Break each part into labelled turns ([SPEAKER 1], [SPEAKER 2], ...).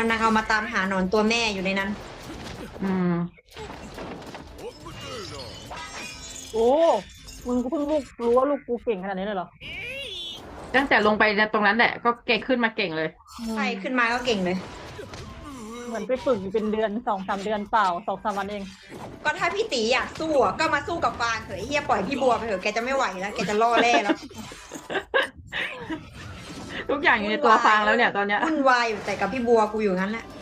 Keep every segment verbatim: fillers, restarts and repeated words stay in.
[SPEAKER 1] นางเอามาตามหาหนอนตัวแม่อยู่ในนั้น
[SPEAKER 2] อืม
[SPEAKER 3] โอ้มึงก็เพิ่งลูกรู้ว่าลูกกูเก่งขนาดนี้เลยเหรอ
[SPEAKER 2] ตั้งแต่ลงไปตรงนั้นแหละก็เก่งขึ้นมาเก่งเลย
[SPEAKER 1] ใช่ขึ้นมาก็เก่งเลย
[SPEAKER 3] เหมือนไปฝึกอยู่เป็นเดือนสองสามเดือนเปล่าสองสามวันเอง
[SPEAKER 1] ก็ถ้าพี่ตีอยากสู้อะก็มาสู้กับฟางเถอะไอ้เฮียปล่อยพี่บัวไปเถอะแกจะไม่ไหวแล้วแกจะล่อแร่แล้ว
[SPEAKER 2] ทุกอย่างอยู่ในตัวฟางแล้วเนี่ยตอนเนี้ย
[SPEAKER 1] วุ่นวายอยู่แต่กับพี่บัวกูอยู่งั้นแหละ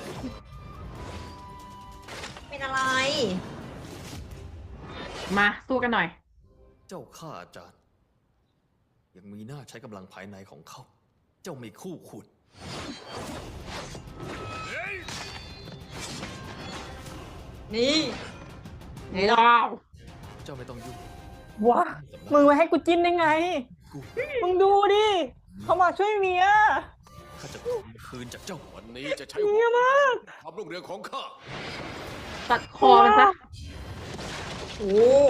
[SPEAKER 1] เป็นอะไร
[SPEAKER 2] มาสู้กันหน่อย
[SPEAKER 4] เจ้าข้าอาจารย์ ยังมีหน้าใช้กำลังภายในของเขา เจ้าไม่คู่ควร
[SPEAKER 1] นี่ไหนล่ะ
[SPEAKER 2] ว้าว
[SPEAKER 4] เจ้าไม่ต้องยุ่ง
[SPEAKER 3] ว้ามึงมาให้กูจิ้นได้ไง
[SPEAKER 4] กู
[SPEAKER 3] มึงดูดิเขามาช่วยเมีย
[SPEAKER 4] ข้าจะคืนจากเจ้าวันนี้จะใช้
[SPEAKER 3] เมียมาก
[SPEAKER 4] ความรุ่งเรืองของข้า
[SPEAKER 2] ตัดคอมันซะ
[SPEAKER 1] โอ้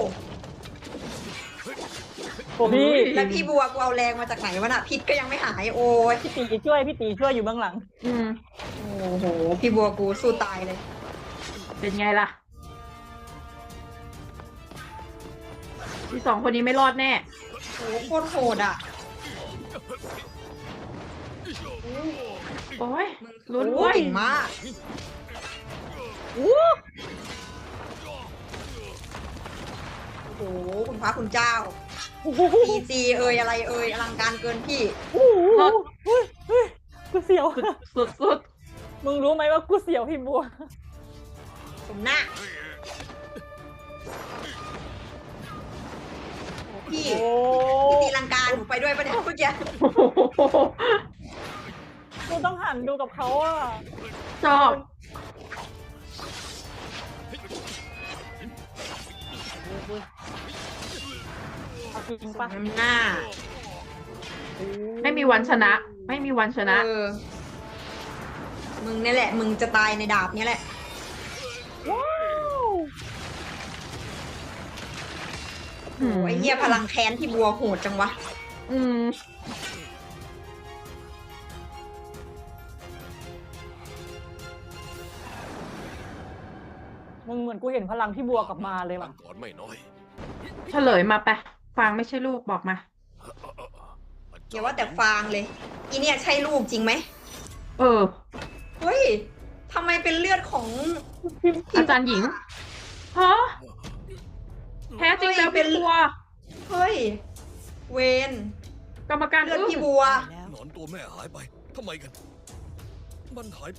[SPEAKER 3] โอ้พี่
[SPEAKER 1] แล้วพี่บัวกูเอาแรงมาจากไหนวะน่ะพิษก็ยังไม่หายโอ้ย
[SPEAKER 3] พี่ตีช่วยพี่ตีช่วยอยู่เบื้องหลัง
[SPEAKER 2] อืม
[SPEAKER 1] โอ้โหพี่บัวกูสู้ตายเลย
[SPEAKER 2] เป็นไงล่ะที่สองคนนี้ไม่รอดแน่
[SPEAKER 1] โอ้โคตรโหดอ่ะ
[SPEAKER 2] โอ้ย
[SPEAKER 1] มึง
[SPEAKER 2] ลุ้น
[SPEAKER 1] โอ้
[SPEAKER 2] เว้ย
[SPEAKER 1] เก่งมาก
[SPEAKER 3] โอ้
[SPEAKER 1] โอ้โหคุณพระคุณเจ้า
[SPEAKER 3] โห
[SPEAKER 1] พีจีเอ่ยอะไรเอ่ยอลังการเกินพี่
[SPEAKER 3] โอ้โหเฮ้ยเฮ้ยกูเสียว
[SPEAKER 2] สุดสุด
[SPEAKER 3] มึงรู้ไหมว่ากูเสียวพี่บัว
[SPEAKER 1] สมหน้าโอ้พี่
[SPEAKER 3] โอ้
[SPEAKER 1] พี่ตีลังการหนูไปด้วยปะเนี่ยเมื่อกี้
[SPEAKER 2] โอ้โห
[SPEAKER 3] กูต้องหันดูกับเขาอ่ะ
[SPEAKER 2] ชอบ
[SPEAKER 3] เอาจริง
[SPEAKER 1] ส
[SPEAKER 3] ปะ
[SPEAKER 1] มน้ำหน้า
[SPEAKER 2] ไม่มีวันชนะ ไม่มีวันชนะ
[SPEAKER 1] เออมึงนี่แหละ มึงจะตายในดาบนี้แหละ
[SPEAKER 3] ว้าว
[SPEAKER 1] โอ้ไอ้เหี้ยพลังแค้นพี่บัวโหดจังวะ
[SPEAKER 2] อืม
[SPEAKER 3] มึงเหมือนกูเห็นพลังพี่บัวกลับมาเลย
[SPEAKER 4] ตั้
[SPEAKER 3] ว่ะ
[SPEAKER 4] งก่อนไม่น้อย
[SPEAKER 2] เฉลยมาไปฟางไม่ใช่ลูกบอกมา
[SPEAKER 1] อย่าว่าแต่ฟางเลย อีเนี่ยใช่ลูกจริงไหม
[SPEAKER 2] เออ
[SPEAKER 1] เฮ้ยทำไมเป็นเลือดของ
[SPEAKER 2] อาจารย์หญิงฮะแท้จริงแล้วเป็นบัว
[SPEAKER 1] เฮ้ย เวน
[SPEAKER 2] กรรมการ
[SPEAKER 1] เลือด
[SPEAKER 2] อึ้ง
[SPEAKER 1] พี่บัว
[SPEAKER 4] หนอนตัวแม่หายไปทำไมกัน มันหาย